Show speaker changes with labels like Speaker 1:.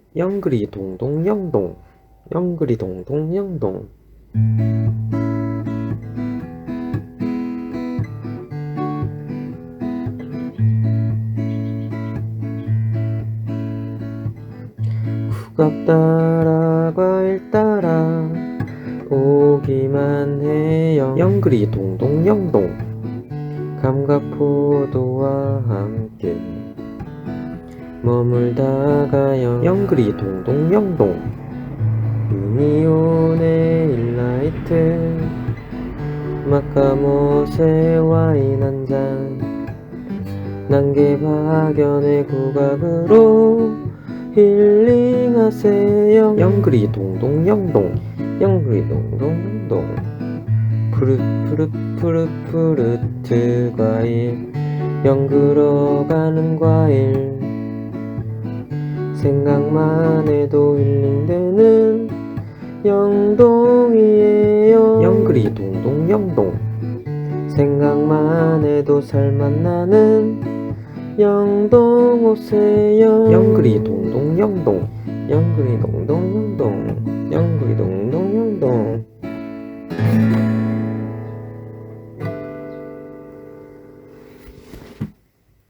Speaker 1: 영그리 동동 영동 영그리 동동 영동 국밥 따라 과일 따라 오기만 해요. 영그리 동동 영동 감과 포도와 함께 머물다가요. 영그리 동동 영동 유니온의 일라이트 마카모세 와인 한잔 난개박연의 국악으로 힐링하세요. 영그리 동동 영동 영그리 동동 영동 푸릇푸릇 과일 영그러가는 과일 생각만 해도 힐링되는 영동이에요. 영그리 동동 영동 생각만 해도 살맛 나는 영동 오세요. 영그리 동동 영동 영그리 동동 영동 영그리 동동 영동